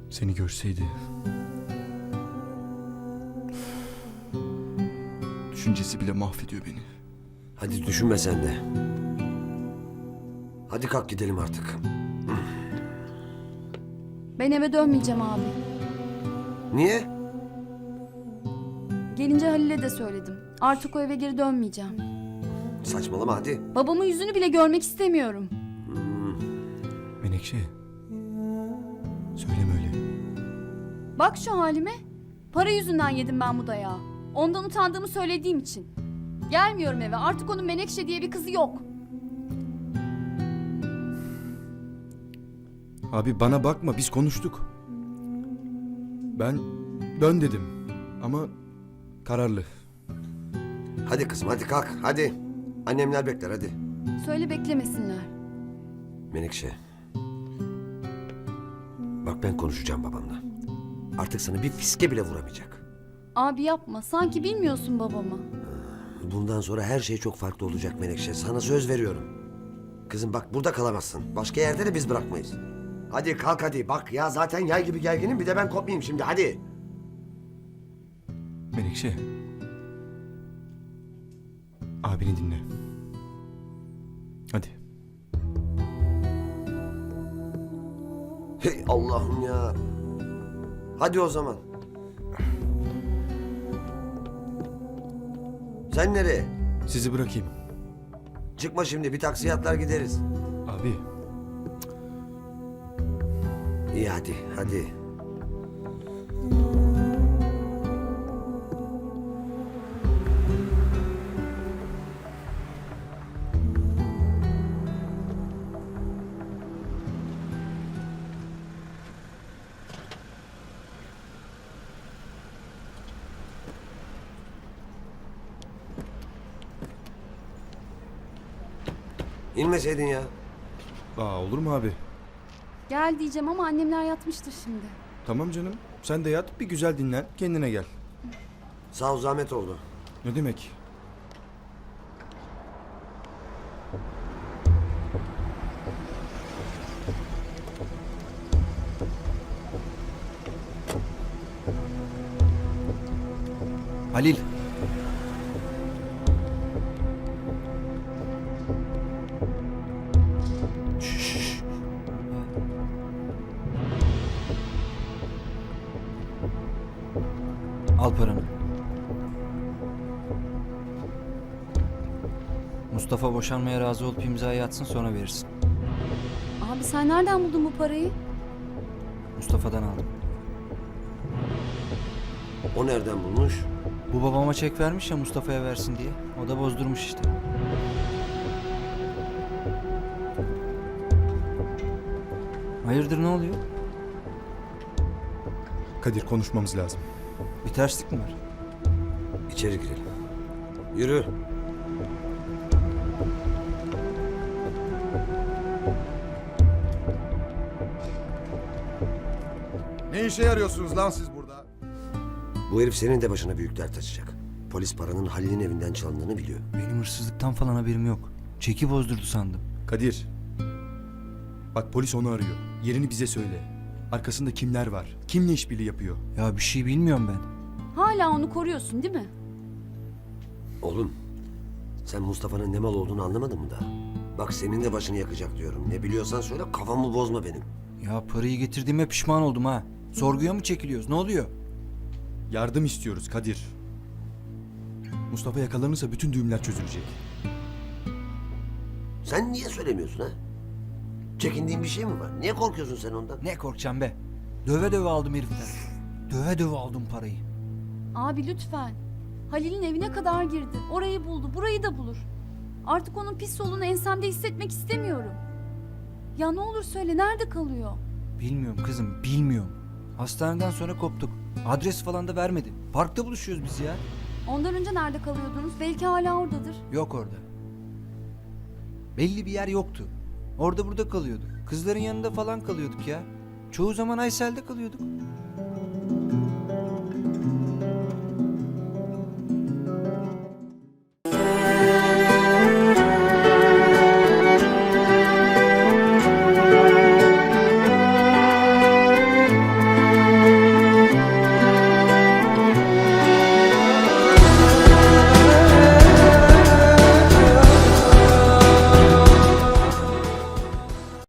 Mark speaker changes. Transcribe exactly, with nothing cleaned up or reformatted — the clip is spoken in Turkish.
Speaker 1: Seni görseydi. Düşüncesi bile mahvediyor beni.
Speaker 2: Hadi düşünme sen de. Hadi kalk gidelim artık.
Speaker 3: Ben eve dönmeyeceğim abi.
Speaker 2: Niye?
Speaker 3: Gelince Halil'e de söyledim. Artık o eve geri dönmeyeceğim.
Speaker 2: Saçmalama hadi.
Speaker 3: Babamın yüzünü bile görmek istemiyorum.
Speaker 1: Menekşe. Söyleme öyle.
Speaker 3: Bak şu halime. Para yüzünden yedim ben bu dayağı. Ondan utandığımı söylediğim için. Gelmiyorum eve. Artık onun Menekşe diye bir kızı yok.
Speaker 1: Abi bana bakma, biz konuştuk. Ben dön dedim ama kararlı.
Speaker 2: Hadi kızım hadi kalk hadi. Annemler bekler hadi.
Speaker 3: Söyle beklemesinler.
Speaker 2: Menekşe. Bak ben konuşacağım babamla. Artık sana bir fiske bile vuramayacak.
Speaker 3: Abi yapma. Sanki bilmiyorsun babamı.
Speaker 2: Bundan sonra her şey çok farklı olacak Menekşe. Sana söz veriyorum. Kızım bak burada kalamazsın. Başka yerde de biz bırakmayız. Hadi kalk hadi. Bak ya zaten yay gibi gerginim. Bir de ben kopmayayım şimdi hadi.
Speaker 1: Menekşe. Abini dinle. Hadi.
Speaker 2: Hey Allah'ım ya. Hadi o zaman. Sen nereye?
Speaker 1: Sizi bırakayım.
Speaker 2: Çıkma şimdi. Bir taksiye atlar gideriz.
Speaker 1: Abi.
Speaker 2: İyi hadi hadi. İnmeseydin ya.
Speaker 1: Aa, olur mu abi?
Speaker 3: Gel diyeceğim ama annemler yatmıştır şimdi.
Speaker 1: Tamam canım. Sen de yat, bir güzel dinlen. Kendine gel.
Speaker 2: Sağ ol zahmet oldu.
Speaker 1: Ne demek?
Speaker 4: Halil. Şşş. Al paranı. Mustafa boşanmaya razı olup imzayı atsın, sonra verirsin.
Speaker 3: Abi sen nereden buldun bu parayı?
Speaker 4: Mustafa'dan aldım.
Speaker 2: O nereden bulmuş?
Speaker 4: Bu babama çek vermiş ya Mustafa'ya versin diye. O da bozdurmuş işte. Hayırdır, ne oluyor?
Speaker 1: Kadir, konuşmamız lazım.
Speaker 4: Bir terslik mi var?
Speaker 2: İçeri girelim. Yürü.
Speaker 5: Ne işe yarıyorsunuz lan siz burada?
Speaker 2: Bu herif senin de başına büyük dert açacak. Polis paranın Halil'in evinden çalındığını biliyor.
Speaker 4: Benim hırsızlıktan falan haberim yok. Çeki bozdurdu sandım.
Speaker 1: Kadir. Bak, polis onu arıyor. Yerini bize söyle. Arkasında kimler var? Kimle işbirliği yapıyor?
Speaker 4: Ya bir şey bilmiyorum ben.
Speaker 3: Hala onu koruyorsun değil mi?
Speaker 2: Oğlum, sen Mustafa'nın ne mal olduğunu anlamadın mı daha? Bak senin de başını yakacak diyorum. Ne biliyorsan söyle, kafamı bozma benim.
Speaker 4: Ya parayı getirdiğime pişman oldum ha. Sorguya mı çekiliyoruz? Ne oluyor?
Speaker 1: Yardım istiyoruz Kadir. Mustafa yakalanırsa bütün düğümler çözülecek.
Speaker 2: Sen niye söylemiyorsun ha? Çekindiğin bir şey mi var? Niye korkuyorsun sen ondan?
Speaker 4: Ne korkacağım be? Döve döve aldım heriften. Döve döve aldım parayı.
Speaker 3: Abi lütfen. Halil'in evine kadar girdi. Orayı buldu, burayı da bulur. Artık onun pis solunu ensemde hissetmek istemiyorum. Ya ne olur söyle, nerede kalıyor?
Speaker 4: Bilmiyorum kızım, bilmiyorum. Hastaneden sonra koptuk. Adres falan da vermedi. Parkta buluşuyoruz biz ya.
Speaker 3: Ondan önce nerede kalıyordunuz? Belki hala oradadır.
Speaker 4: Yok orada. Belli bir yer yoktu. Orada burada kalıyorduk. Kızların yanında falan kalıyorduk ya. Çoğu zaman Aysel'de kalıyorduk.